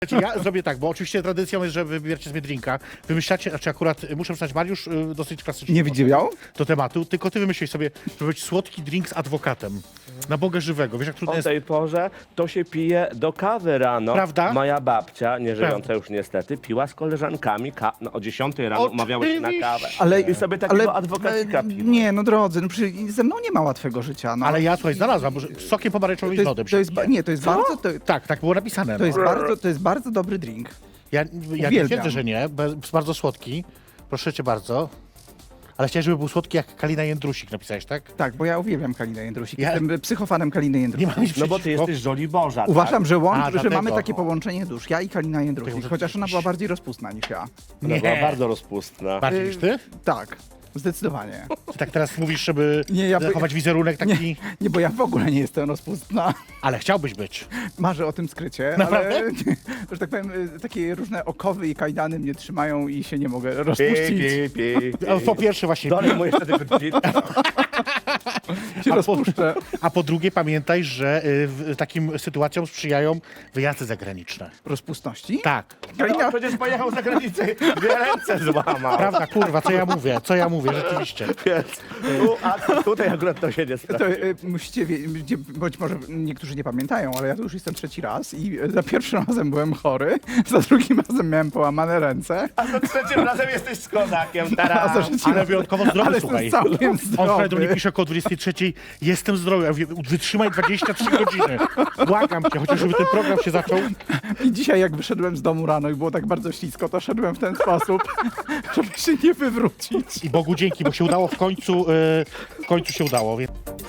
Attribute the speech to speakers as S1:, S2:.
S1: Ja zrobię tak, bo oczywiście tradycją jest, że wybieracie sobie drinka. Wymyślacie, znaczy akurat muszę przyznać, Mariusz dosyć klasycznie
S2: Nie widział?
S1: do tematu, tylko ty wymyślisz sobie, żeby być słodki drink z adwokatem. Na Boga żywego. Wiesz, jak trudno
S3: O
S1: jest...
S3: tej porze to się pije do kawy rano.
S1: Prawda?
S3: Moja babcia, nie żyjąca
S1: Prawda.
S3: już niestety, piła z koleżankami no, o 10 rano umawiały się na kawę.
S2: Ale,
S3: I sobie takiego adwokacika piła.
S2: Nie, no drodzy, no przecież ze mną nie ma łatwego życia. No.
S1: Ale ja, słuchaj, znalazłam, że z sokiem pomarańczowym i z lodem.
S2: to jest, nie, to jest bardzo,
S1: Tak, tak było napisane.
S2: to
S1: No.
S2: jest bardzo dobry drink.
S1: Ja nie
S2: Uwielbiam.
S1: twierdzę, że nie, bo jest bardzo słodki. Proszę cię bardzo. Ale chciałem, żeby był słodki jak Kalina Jędrusik, napisałeś, tak?
S2: Tak, bo ja uwielbiam Kalinę Jędrusik.
S1: Ja-
S2: Jestem psychofanem Kaliny
S1: Nie
S2: Jędrusik.
S1: mam nic
S3: No bo ty
S1: przeciwko.
S3: jesteś żoli Boża,
S2: Uważam, że,
S1: A,
S2: że
S1: dlatego.
S2: mamy takie połączenie dusz. Ja i Kalina Jędrusik,
S1: może
S2: chociaż ona
S1: jakiś-
S2: była bardziej rozpustna niż ja.
S3: tak? Ona była bardzo rozpustna.
S1: Bardziej niż ty?
S2: Tak, zdecydowanie.
S1: Ty tak teraz mówisz, żeby
S2: Nie, ja by-
S1: zachować wizerunek taki...
S2: Nie, bo ja w ogóle nie jestem rozpustna.
S1: Ale chciałbyś być.
S2: Marzę o tym skrycie,
S1: Naprawdę?
S2: ale że tak powiem, takie różne okowy i kajdany mnie trzymają i się nie mogę
S3: Pi,
S2: rozpuścić.
S3: pi, pi.
S1: A po pierwsze właśnie...
S3: Dalej mu jeszcze tego
S2: Się rozpuszczę.
S1: A po drugie pamiętaj, że takim sytuacjom sprzyjają wyjazdy zagraniczne.
S2: Rozpustności?
S1: Tak.
S2: Kalina,
S3: No, przecież pojechał za granicę, dwie ręce złamał.
S1: Prawda, kurwa, co ja mówię, rzeczywiście.
S3: Więc a tutaj akurat to się nie
S2: to
S3: sprawdza.
S2: musicie wiedzieć, być może niektórzy nie pamiętają, ale ja tu już jestem trzeci raz i za pierwszym razem byłem chory, za drugim razem miałem połamane ręce,
S3: A za trzecim razem jesteś z kozakiem,
S2: a
S3: teraz.
S2: za trzecim
S1: Ale
S2: razem...
S1: wyjątkowo zdrowy,
S2: Ale
S1: słuchaj.
S2: jestem całkiem
S1: On wczoraj do mnie
S2: zdrowy.
S1: pisze około 23, jestem zdrowy. Ja mówię, wytrzymaj 23 godziny. Błagam cię, chociaż żeby ten program się zaczął.
S2: I dzisiaj jak wyszedłem z domu rano i było tak bardzo ślisko, to szedłem w ten sposób, żeby się nie wywrócić.
S1: I Bogu dzięki, bo się udało w końcu się udało. Więc...